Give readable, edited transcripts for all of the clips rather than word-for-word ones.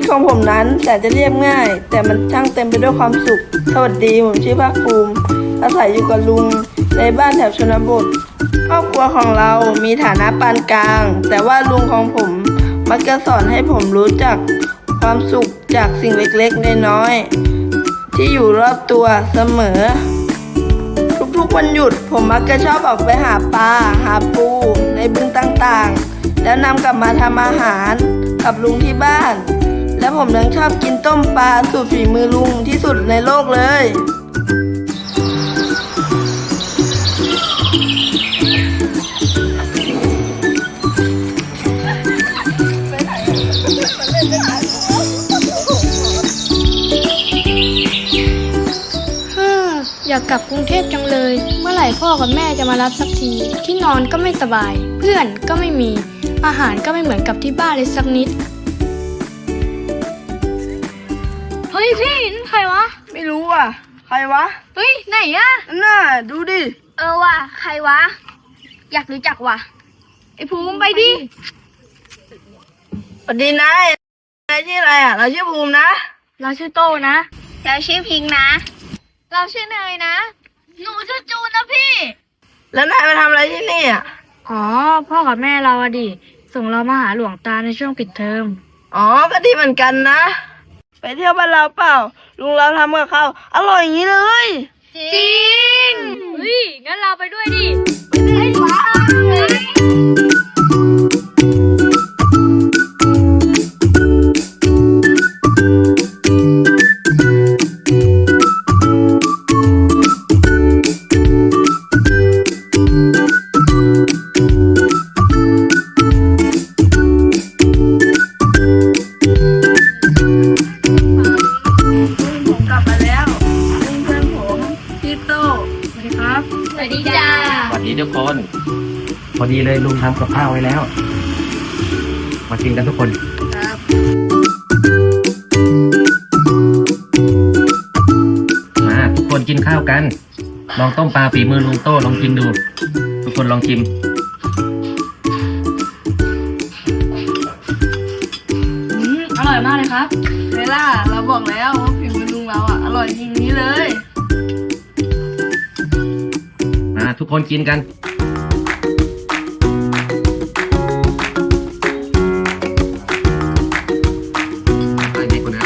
ของผมนั้นแต่จะเรียบง่ายแต่มันช่างเต็มไปด้วยความสุขสวัสดีผมชื่อภาคภูมิอาศัยอยู่กับลุงในบ้านแถวชนบทครอบครัวของเรามีฐานะปานกลางแต่ว่าลุงของผมมักจะสอนให้ผมรู้จักความสุขจากสิ่งเล็กๆน้อยๆที่อยู่รอบตัวเสมอทุกๆวันหยุดผมมักจะชอบออกไปหาปลาหาปูในบึงต่างๆแล้วนำกลับมาทำอาหารกับลุงที่บ้านและผมยังชอบกินต้มปลาสูตรฝีมือลุงที่สุดในโลกเลยอยากกลับกรุงเทพจังเลยเมื่อไหร่พ่อกับแม่จะมารับสักทีที่นอนก็ไม่สบายเพื่อนก็ไม่มีอาหารก็ไม่เหมือนกับที่บ้านเลยสักนิดเฮ้ยพี่นั่นใครวะไม่รู้อ่ะใครวะเฮ้ยไหนอะน่าดูดิว่ะใครวะอยากรู้จักว่ะไอ้ภูมิไปดิสวัสดีนายชื่ออะไรอ่ะเราชื่อภูมินะเราชื่อโตนะเราชื่อพิงนะเราชื่อเนยนะหนูชื่อจูนนะพี่แล้วนายมาทำอะไรที่นี่อ่ะอ๋อพ่อกับแม่เราอะดิส่งเรามาหาหลวงตาในช่วงปิดเทอมอ๋อก็ดีเหมือนกันนะไปเที่ยวบ้านเราเปล่าลุงเราทำกับข้าวอร่อยอย่างนี้เลยจริงเฮ้ยงั้นเราไปด้วยดิไปว้าสวัสดีทุกคนพอดีเลยลุงทำกับข้าวไว้แล้วมากินกันทุกคนมาทุกคนกินข้าวกันลองต้มปลาฝีมือลุงโต้ลองกินดูทุกคนลองชิมอร่อยมากเลยครับเวล่าเราบอกแล้วว่าฝีมือลุงเราอ่ะอร่อยจริงนี้เลยทุกคนกินกันไปไหนคนนะ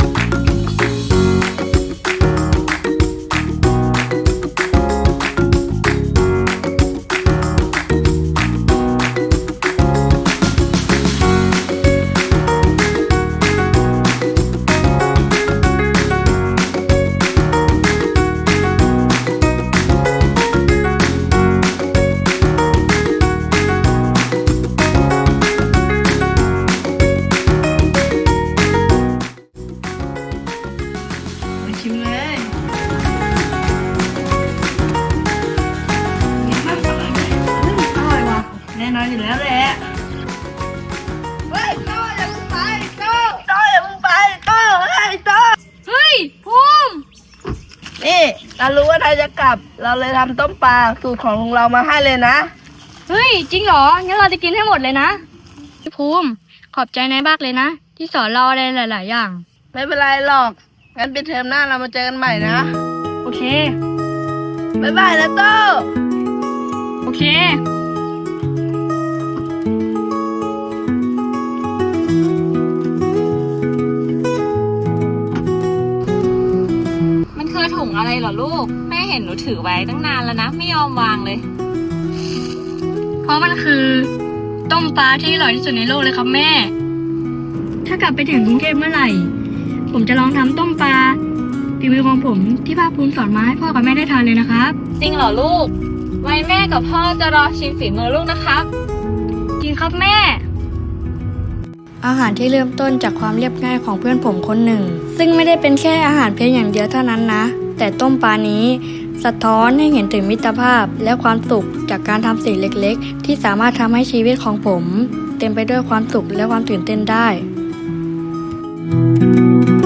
ชิมเลยอร่อยว่ะแน่นอนอยู่แล้วแหละเฮ้ยโต้อย่าเพิ่งไปโต้อย่าเพิ่งไปโต้เฮ้ยภูมินี่เรารู้ว่านายจะกลับเราเลยทำต้มปลาสูตรของลุงเรามาให้เลยนะเฮ้ยจริงเหรองั้นเราจะกินให้หมดเลยนะพี่ภูมิขอบใจนายมากเลยนะที่สอนเราอะไรหลายๆอย่างไม่เป็นไรหรอกงั้นปิดเทอมหน้าเรามาเจอกันใหม่นะโอเคบ๊ายบายนะโต้โอเคมันคือถุงอะไรเหรอลูกแม่เห็นหนูถือไว้ตั้งนานแล้วนะไม่ยอมวางเลยเพราะมันคือต้มปลาที่อร่อยที่สุดในโลกเลยครับแม่ถ้ากลับไปถึงกรุงเทพเมื่อไหร่ผมจะลองทำต้มปลาฝีมือของผมที่ภาคภูมิสอนมาให้พ่อกับแม่ได้ทานเลยนะครับจริงเหรอลูกไว้แม่กับพ่อจะรอชิมฝีมือลูกนะครับจริงครับแม่อาหารที่เริ่มต้นจากความเรียบง่ายของเพื่อนผมคนหนึ่งซึ่งไม่ได้เป็นแค่อาหารเพียงอย่างเดียวเท่านั้นนะแต่ต้มปลานี้สะท้อนให้เห็นถึงมิตรภาพและความสุขจากการทำสิ่งเล็กๆที่สามารถทำให้ชีวิตของผมเต็มไปด้วยความสุขและความตื่นเต้นได้